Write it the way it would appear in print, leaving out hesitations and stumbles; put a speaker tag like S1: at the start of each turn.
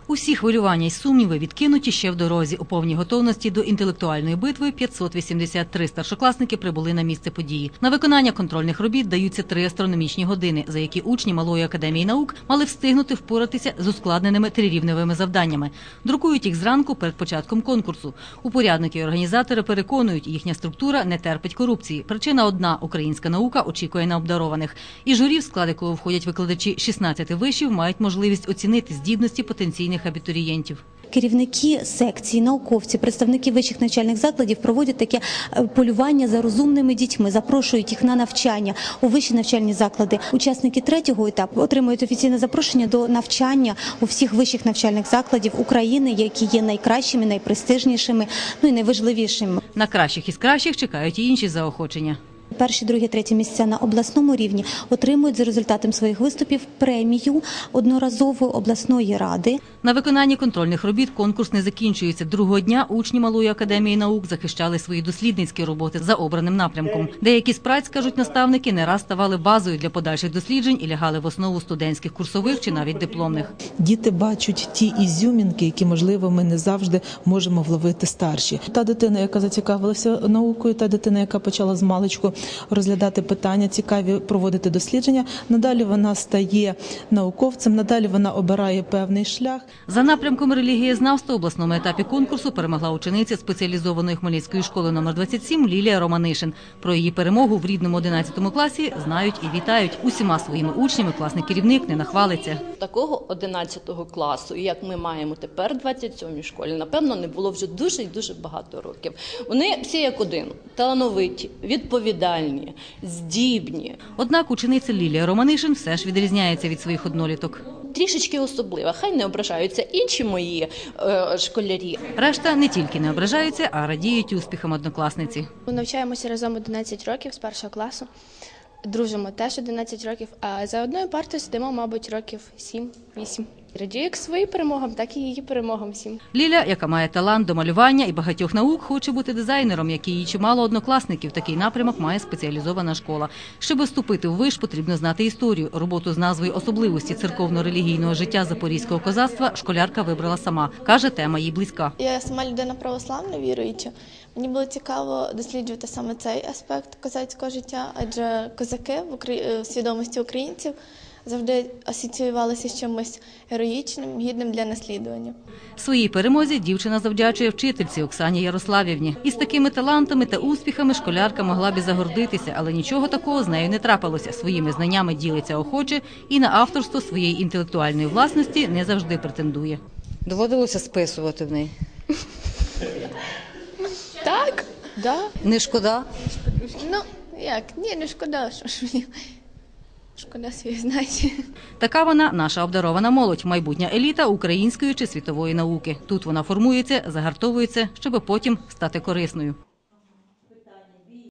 S1: Усі хвилювання й сумніви відкинуті ще в дорозі. У повній готовності до інтелектуальної битви 583 старшокласники прибули на місце події. На виконання контрольних робіт даються 3 астрономічні години, за які учні Малої академії наук мали встигнути впоратися з ускладненими трирівневими завданнями. Друкують їх зранку перед початком конкурсу. Упорядники і організатори переконують, їхня структура не терпить корупції. Причина одна – українська наука очікує на обдарованих. І журі, в склад якого входять викладачі 16 вишів, мають можливість оцінити здібності потенційних абітурієнтів.
S2: Керівники секцій, науковці, представники вищих навчальних закладів проводять таке полювання за розумними дітьми, запрошують їх на навчання у вищі навчальні заклади. Учасники 3-го етапу отримують офіційне запрошення до навчання у всіх вищих навчальних закладів України, які є найкращими, найпрестижнішими, і найважливішими.
S1: На кращих із кращих чекають і інші заохочення.
S2: Перші, другі, треті місця на обласному рівні отримують за результатом своїх виступів премію одноразової обласної ради.
S1: На виконанні контрольних робіт конкурс не закінчується. Другого дня учні Малої академії наук захищали свої дослідницькі роботи за обраним напрямком. Деякі з праць, кажуть наставники, не раз ставали базою для подальших досліджень і лягали в основу студентських курсових чи навіть дипломних.
S3: Діти бачать ті ізюмінки, які, можливо, ми не завжди можемо вловити старші. Та дитина, яка зацікавилася наукою, та дитина, яка почала з маличку розглядати питання, цікаві проводити дослідження, надалі вона стає науковцем, надалі вона обирає певний шлях.
S1: За напрямком релігієзнавства в обласному етапі конкурсу перемогла учениця спеціалізованої Хмельницької школи номер 27 Лілія Романишин. Про її перемогу в рідному 11 класі знають і вітають. Усіма своїми учнями класний керівник не нахвалиться.
S4: Такого 11 класу, як ми маємо тепер в 27-й школі, напевно, не було вже дуже і дуже багато років. Вони всі як один – талановиті, відповідальні, здібні.
S1: Однак учениця Лілія Романишин все ж відрізняється від своїх одноліток.
S4: Трішечки особлива, хай не ображаються інші мої школярі.
S1: Решта не тільки не ображаються, а радіють успіхам однокласниці.
S5: Ми навчаємося разом 11 років з першого класу, дружимо теж 11 років, а за одною партою сидимо, мабуть, років 7-8. Радію як своїм перемогам, так і її перемогам всім.
S1: Ліля, яка має талант до малювання і багатьох наук, хоче бути дизайнером, як і її чимало однокласників. Такий напрямок має спеціалізована школа. Щоб вступити в виш, потрібно знати історію. Роботу з назвою «Особливості церковно-релігійного життя запорізького козацтва» школярка вибрала сама. Каже, тема їй близька.
S6: Я сама людина православна, віруюча. Мені було цікаво досліджувати саме цей аспект козацького життя, адже козаки в свідомості українців завжди асоціювалися з чимось героїчним, гідним для наслідування.
S1: Своїй перемозі дівчина завдячує вчительці Оксані Ярославівні. Із такими талантами та успіхами школярка могла б і загордитися, але нічого такого з нею не трапилося. Своїми знаннями ділиться охоче і на авторство своєї інтелектуальної власності не завжди претендує.
S7: Доводилося списувати в неї?
S6: Так, да.
S7: Не шкода?
S6: Ну, як? Ні, не шкода, що ж мені. Шкода свої знати.
S1: Така вона – наша обдарована молодь, майбутня еліта української чи світової науки. Тут вона формується, загартовується, щоб потім стати корисною.